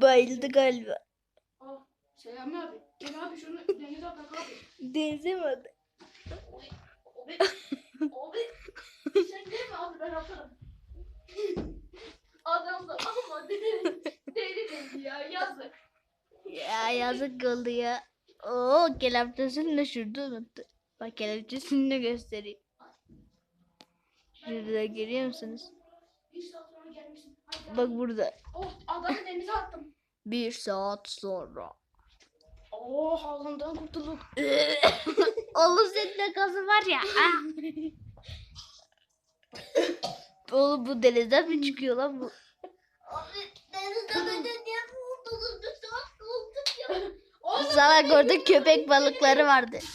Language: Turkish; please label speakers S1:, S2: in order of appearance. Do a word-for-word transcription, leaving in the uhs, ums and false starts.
S1: bayıldı galiba.
S2: Aa, Selami abi. Gel abi şunu denize atak abi.
S1: Denize mi attı?
S2: Abi. Abi. Sen değil mi abi, ben atarım. Adam da ama deli deli deli ya, yazık.
S1: Ya yazık oldu ya. Oo kelepçesini de şurada unuttu. Bak kelepçesini de göstereyim. Şurada görüyor musunuz?
S2: Bir saat sonra gelmişsin. Hadi
S1: Bak
S2: abi.
S1: burada.
S2: Oh, adamı denize attım.
S1: Bir saat sonra.
S2: Oh, ağzından kurtulduk.
S1: Oğlum senin de gazı var ya. Ah. Oğlum bu denizden mi çıkıyor lan bu?
S2: Abi denizde beden niye kurtulduk? Bir saat olduk ya. Oğlum,
S1: Salak orada köpek balıkları vardı.